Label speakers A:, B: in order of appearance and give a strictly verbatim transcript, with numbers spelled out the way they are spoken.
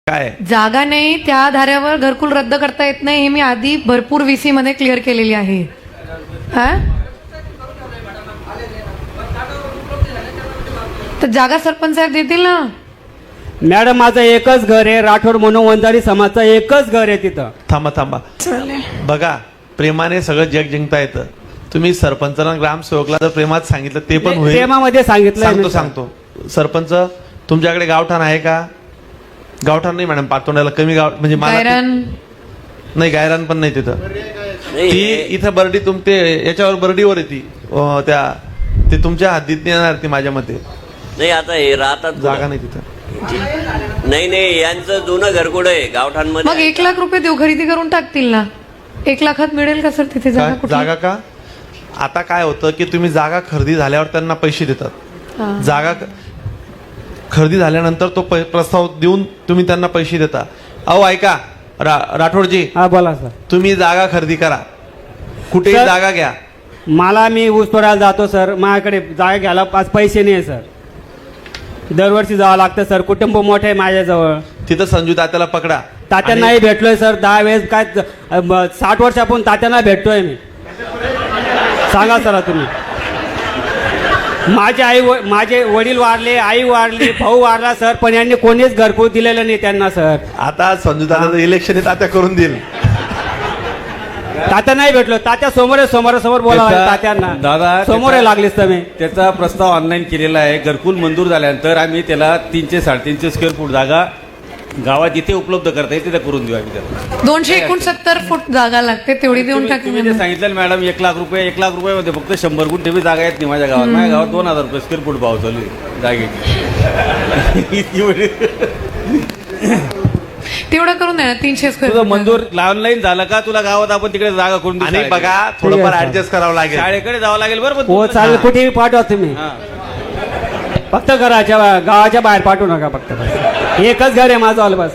A: काय
B: जागा नाही त्या धाऱ्यावर घरकुल रद्द करता येत नाही हे मी आधी भरपूर व्हीसी मध्ये क्लिअर केलेली आहे. हा तर जागा सरपंच साहेब देतील ना.
C: मॅडम माझं एकच घर आहे, राठोड म्हणून वंजारी समाजचं एकच घर आहे तिथं.
A: थांबा थांबा बघा, प्रेमाने सगळं जग जिंकता येतं. तुम्ही सरपंचाला ग्रामसेवकला जर प्रेमात सांगितलं ते पण होईल.
C: प्रेमामध्ये सांगितलं.
A: सांगतो सांगतो सरपंच तुमच्याकडे गावठाण आहे का? गावठाण नाही मॅडम, पातोंड्याला कमी गाव म्हणजे मला
B: गायरान
A: नाही, गायरान पण नाही तिथं. ती इथं बर्डी तुमते याच्यावर बर्डीवर येते अं, त्या ते तुमच्या हद्दीत नाही येणार ती माझ्या मते.
D: नाही आता हे राहतात
A: जागा नाही तिथं.
D: नाही नाही यांचं जुनं घरकुड आहे गावठाणमध्ये.
B: मग एक लाख रुपये देऊ, खरेदी करून टाकतील ना. एक लाखात मिळेल का सर तिथे जागा?
A: जा-
B: कुठली?
A: जागा का? आता काय होतं की तुम्ही जागा खरेदी झाल्यावर त्यांना पैसे देतात.
B: हा.
A: जागा क- खरेदी झाल्यानंतर तो पै- प्रस्ताव देऊन तुम्ही त्यांना पैसे देता. अहो ऐका रा, राठोडजी,
C: हा बोला सर.
A: तुम्ही जागा खरेदी करा, कुठेही
C: सर-
A: जागा घ्या.
C: मला मी ऊस तोडायला जातो सर, माझ्याकडे जागा घ्यायला पाच पैसे नाही सर. दरवर्षी जावं लागतं सर, कुटुंब मोठं आहे माझ्याजवळ.
A: तिथं संजू तात्याला पकडा.
C: तात्यांनाही भेटलोय सर दहा वेळेस. काय अ, ब- साठ वर्षापासून तात्यांना भेटतोय मी. सांगा सर तुम्ही. माझे आई व- माझे वडील वारले, आई वारली, भाऊ वारला सर, पण यांनी कोणीच घरकुल दिलेलं नाही त्यांना सर.
A: आता संजू तात्याचं इलेक्शन तात्या करून देईल.
C: तात्या नाही भेटलो. तात्या समोर समोरासमोर बोलावं
E: त्याचा-
C: तात्यांना.
E: दादा
C: समोर
E: त्याचा-
C: लागलीस तुम्ही.
E: त्याचा प्रस्ताव ऑनलाईन केलेला आहे. घरकुल मंजूर झाल्यानंतर आम्ही त्याला तीनशे साडेतीनशे स्क्वेअर फूट जागा गावात इथे उपलब्ध करता येईल तिथे करून देऊ आम्ही त्याला.
B: दोनशे एकोणसत्तर फूट जागा लागते तेवढी देऊन
E: तुम्ही तुम्ही जे
B: टाकेल.
E: सांगितलं ना मॅडम, एक लाख रुपये एक लाख रुपयामध्ये फक्त शंभर गुंठे बी जागा येत नाही माझ्या गावात. माझ्या गावात दोन हजार रुपये स्क्वेअर फूट भाव चालू आहे जागेची.
B: तेवढं करून द्या ना, तीनशे
E: तुझं
B: स्क्वेअर
E: मंजूर ऑनलाईन झालं का? तुला गावात आपण तिकडे जागा करून देऊ
A: आणि
E: शाळेकडे.
A: बघा थोडंफार
C: ठीक आहे,
A: ऍडजस्ट करावं लागेल.
E: शाळेकडे जावं लागेल बरोबर.
C: हो चालेल, कुठेही पाठवा तुम्ही.
E: हा.
C: फक्त घराच्या गावाच्या बाहेर पाठवू नका. फक्त एकच घर आहे माझं ऑल बस.